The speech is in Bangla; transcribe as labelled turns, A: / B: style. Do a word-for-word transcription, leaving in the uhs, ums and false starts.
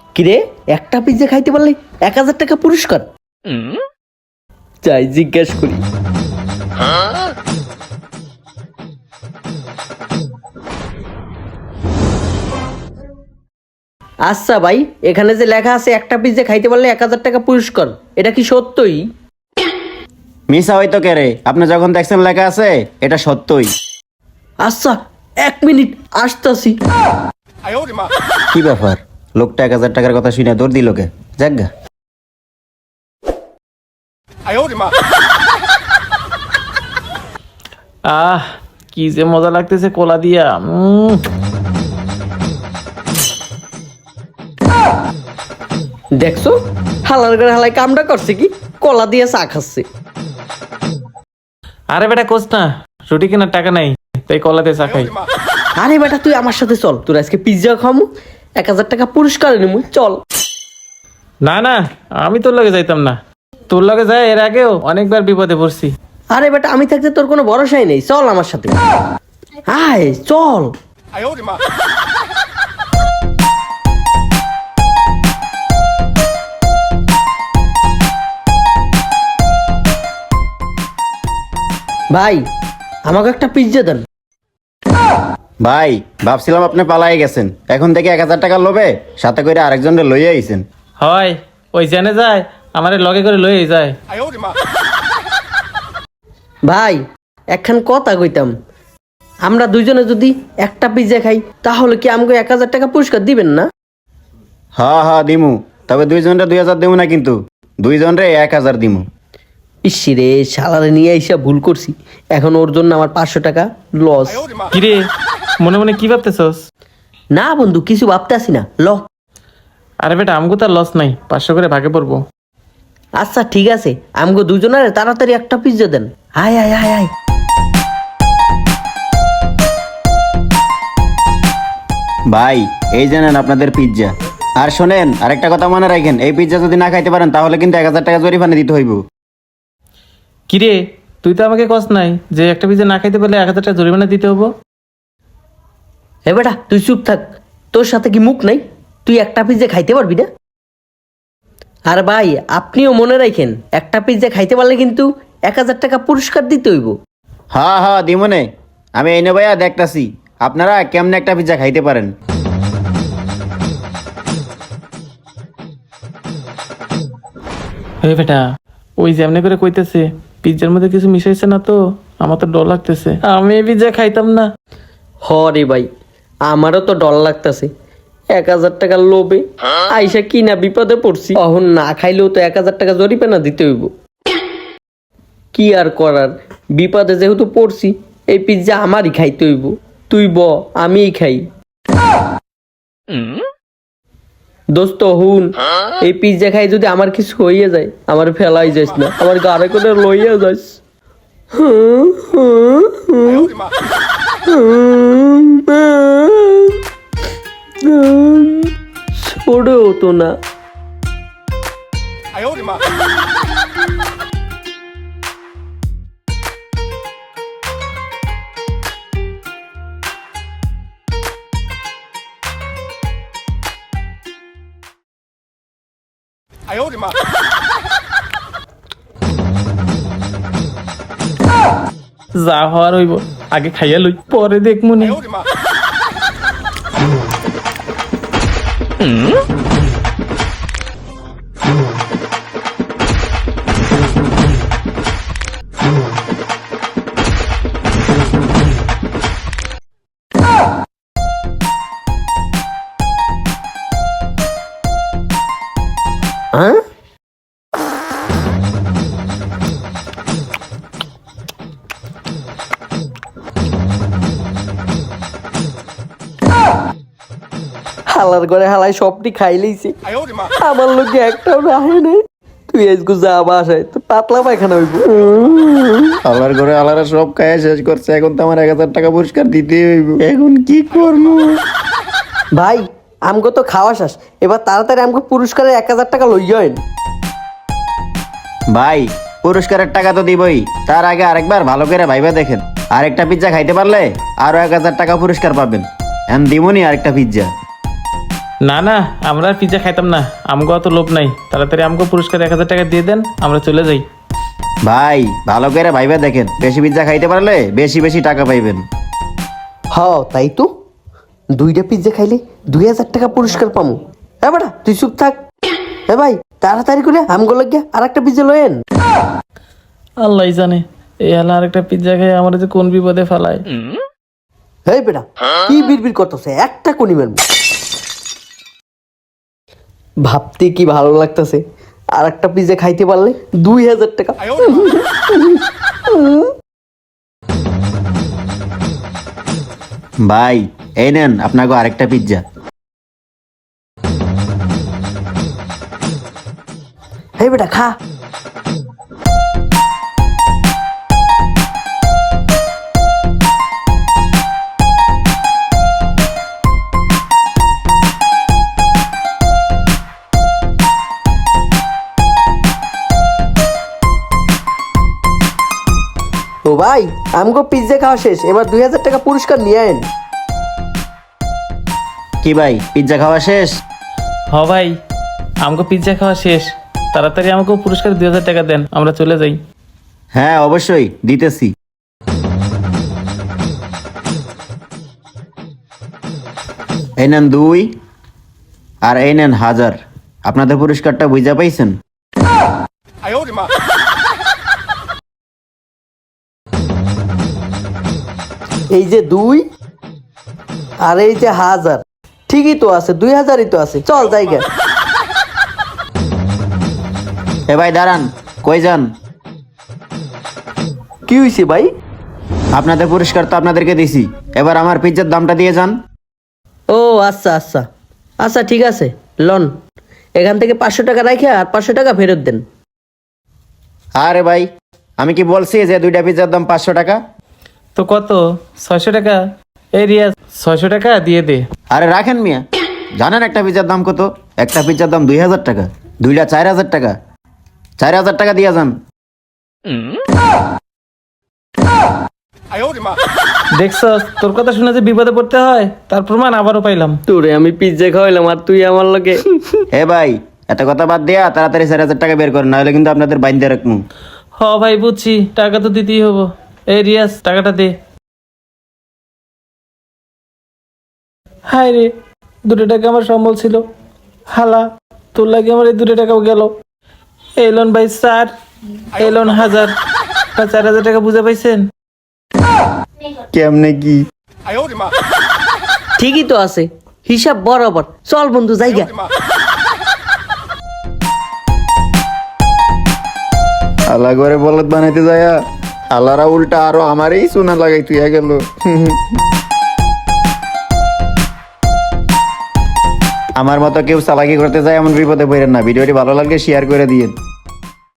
A: কিরে একটা পিজ্জা খাইতে পারলে এক হাজার টাকা পুরস্কার? যাই জিজ্ঞেস করি। আচ্ছা ভাই, এখানে যে লেখা আছে একটা পিজ্জা খাইতে পারলে এক হাজার টাকা পুরস্কার, এটা কি সত্যই?
B: মিশা হয়তো কে রে, আপনি যখন দেখছেন লেখা আছে এটা সত্যই।
A: আচ্ছা এক মিনিট আসতাছি।
B: কি ব্যাপার, লোকটা এক হাজার টাকার কথা শুনে দৌড় দিল কে? যাজ্ঞা
C: আহ কি যে মজা লাগতেছে কোলা দিয়া। উম,
A: দেখছো হালার করে হালাই কামটা করছে কি, কলা দিয়ে চা খাচ্ছে।
C: আরে বেটা কোস না, রুটি কেনার টাকা নাই, তাই কলা দিয়ে চা খাই।
A: আরে বেটা তুই আমার সাথে চল, তোর আজকে পিজ্জা খামু, এক হাজার টাকা পুরস্কার নিমু, চল।
C: না না, আমি তোর লগে যাইতাম না। তোর লগে যায় এর আগেও অনেকবার বিপদে পড়ছি।
A: আরে বেটা আমি থাকতে তোর কোনো ভরসাই নেই, চল আমার সাথে, আয় চল। ভাই আমাকে একটা পিজ্জা দেন।
B: ভাই, ভাবছিলাম আপনি পালাই গেছেন, এখন থেকে এক হাজার টাকার লোভে সাথে করে আরেকজনের লইয়ে আইছেন।
C: হয় ওই জেনে যায়, আমারে লগে করে লয়ে যায়।
A: ভাই একখান কথা কইতাম, আমরা দুইজনে যদি একটা পিজ্জা খাই তাহলে কি আমাকে এক হাজার টাকা পুরস্কার দিবেন না?
B: হা হা দিমু, তবে দুইজনরে দুই হাজার দিমু না, কিন্তু দুইজনরে এক হাজার দিমু।
A: ইসিরে শালারে নিয়ে আইসা ভুল করছি, এখন ওর জন্য আমার পাঁচশো টাকা লস।
C: কিরে মনে মনে কি ভাবতেছস?
A: না বন্ধু কিছু ভাবতে আসি না, ল।
C: আরে বেটা আমগো তার লস নাই, পাঁচশো করে ভাগে পড়বো।
A: আচ্ছা ঠিক আছে, আমগো দুজনের তাড়াতাড়ি একটা পিজ্জা দেন। আয় আয় আয় আয়।
B: ভাই এই জানেন আপনাদের পিৎজা। আর শোনেন, আরেকটা কথা মনে রাখেন, এই পিৎজা যদি না খাইতে পারেন তাহলে কিন্তু এক হাজার টাকা জরিমানা দিতে হইব।
C: কিরে তুই তো আমাকে কস নাই যে একটা পিজ্জা না খাইতে পারলে এক হাজার টাকা জরিমানা দিতে হবো?
A: এ বেটা তুই চুপ থাক, তোর সাথে কি মুখ নাই? তুই একটা পিজ্জা খাইতে পারবি না? আর ভাই আপনিও মনে রাখেন, একটা পিজ্জা খাইতে পারলে কিন্তু এক হাজার টাকা পুরস্কার দিতে হইব।
B: হ্যাঁ হ্যাঁ দিমনে, আমি এই নে ভাইয়া দেখতাছি আপনারা কেমনে একটা পিৎজা খাইতে পারেন।
C: হে বেটা ওই যেমনি করে কইতেছে পিজ্জার মধ্যে কিছু মিশাইছে না তো? আমার তো ডর লাগতেছে, আমি এই পিজ্জা খাইতাম না।
A: হ রে ভাই, আমারও তো ডর লাগতেছে, এক হাজার টাকার লোভে আইসা কি না বিপদে পড়ছি, অহন না খাইলেও তো এক হাজার টাকা জরিমানা দিতে হইব। কি আর করার, বিপদে যেহেতু পড়ছি, এই পিজ্জা আমারই খাইতে হইব। তুই ব, আমিই খাই। দোস্ত হুন, এই পিজ্জা খাই যদি আমার কিছু হইয়া যায়, আমার ফেলাই যাস না, আমার গাড়ে করে লইয়া যাস। ছোড়ে হতো না।
C: যা হওয়ার হইব, আগে খাইয়া লই পরে দেখমুনি।
A: হ্যাঁ হালার ঘরে হালাই সবটি খাই লইছে, আমার লোকে একটাও রাহে নেই। তুই আজকে যা বাসায়, তো পাতলা পায়খানা হইব।
B: আল্লাহর ঘরে আল্লাহরা সব খাইয়া শেষ করছে, এখন তো আমার এক হাজার টাকা পুরস্কার দিতে হইব। এখন কি করবো?
A: ভাই আমগো তো খাওয়া শেষ, এবার তাড়াতাড়ি আমগো পুরস্কারের এক হাজার টাকা লইয়েন।
B: ভাই পুরস্কারের টাকা তো দিবই, তার আগে আরেকবার ভালো করে ভাইবা দেখেন, আরেকটা পিৎজা খাইতে পারলে আরো এক হাজার টাকা পুরস্কার পাবেন। এখন দিমনি আরেকটা পিৎজা।
C: না না আমরা আর পিৎজা খাইতাম না, আমগো অত লোভ নাই। তাড়াতাড়ি আমগো পুরস্কার এক হাজার টাকা দিয়ে দেন, আমরা চলে যাই।
B: ভাই ভালো করে ভাইবা দেখেন, বেশি পিজ্জা খাইতে পারলে বেশি বেশি টাকা পাইবেন।
A: হ তাই তো, দুইটা পিৎজা খাইলে দুই হাজার টাকা পুরস্কার পামু। এ বেটা তুই চুপ থাক। এ ভাই তাড়াতাড়ি করে আমগো লাগিয়া আর একটা পিৎজা লয়েন।
C: আল্লাহ জানে এই হালা আরেকটা পিৎজা খেয়ে আমার যে কোন বিপদে ফেলায়।
A: এই বেটা কি বিড়বিড় করতেছে, একটা কোনি মারবো। ভাবতে কি ভালো লাগতেছে, আর একটা পিৎজা খাইতে পারলে দুই হাজার টাকা।
B: ভাই এই নেন আপনাকে আরেকটা পিজ্জা।
A: এই বেটা খা। ও ভাই আমগো পিৎজা খাওয়া শেষ, এবার দুই হাজার টাকা পুরস্কার নিয়ে আইন।
B: কি ভাই পিজ্জা খাওয়া শেষ?
C: হ ভাই আমগো পিৎজা খাওয়া শেষ, তাড়াতাড়ি আমাকে পুরস্কার দুই হাজার টাকা দেন, আমরা চলে যাই।
B: হ্যাঁ অবশ্যই দিতেছি। এই নেন দুই, আর এই নেন হাজার। আপনাদের পুরস্কারটা বুঝা পাইছেন?
A: এই যে দুই আর এই যে হাজার, ঠিকই তো আছে, দুই হাজারই তো আছে, চল জায়গা।
B: এ ভাই দাঁড়ান, কই যান?
A: কি হয়েছে ভাই?
B: আপনাদের পুরস্কার তো আপনাদেরকে দিছি, এবার আমার পিজ্জার দামটা দিয়ে যান।
A: ও আচ্ছা আচ্ছা আচ্ছা ঠিক আছে, লন এখান থেকে পাঁচশো টাকা রাখে আর পাঁচশো টাকা ফেরত দেন।
B: আরে ভাই আমি কি বলছি যে দুইটা পিজ্জার দাম পাঁচশো টাকা?
C: তো কত? ছয়শো টাকা? এই রিয়াজ ছয়শো টাকা দিয়ে দে।
B: আরে রাখেন মিয়া, জানেন একটা পিজ্জার দাম কত? একটা পিজ্জার দাম দুই হাজার টাকা, দুইটা চার হাজার টাকা। চার হাজার টাকা দিয়ে যান।
C: দেখছ তোর কথা শুনে যে বিপদে পড়তে হয়, তার প্রমাণ আবারও পাইলাম।
A: তোরে আমি পিৎজা খাওয়াইলাম আর তুই আমার লগে।
B: হে ভাই এত কথা বাদ দেয়া তাড়াতাড়ি চার হাজার টাকা বের করেন, নাহলে কিন্তু আপনাদের বাইন্দে রাখবো।
C: হ ভাই বুঝছি, টাকা তো দিতেই হবো। এই রিয়াজ টাকাটা দে। হায় রে, দুটো টাকা আমার সম্বল ছিল, হালা তোর লাগে আমার এই দুটো টাকাও গেল। এই লোন ভাই চার, এই লোন হাজার, তা চার হাজার টাকা বুঝে পাইছেন?
B: কেমনে কি?
A: ঠিকই তো আছে, হিসাব বরাবর। চল বন্ধু জায়গা।
B: আল্লাহ করে বলদ বানাইতে যায়, আল্লাহরা উল্টা আরো আমারই সোনা লাগাই তুই গেল। আমার মতো কেউ চালাকি করতে যায় এমন বিপদে পড়েন না। ভিডিওটি ভালো লাগলে শেয়ার করে দিন।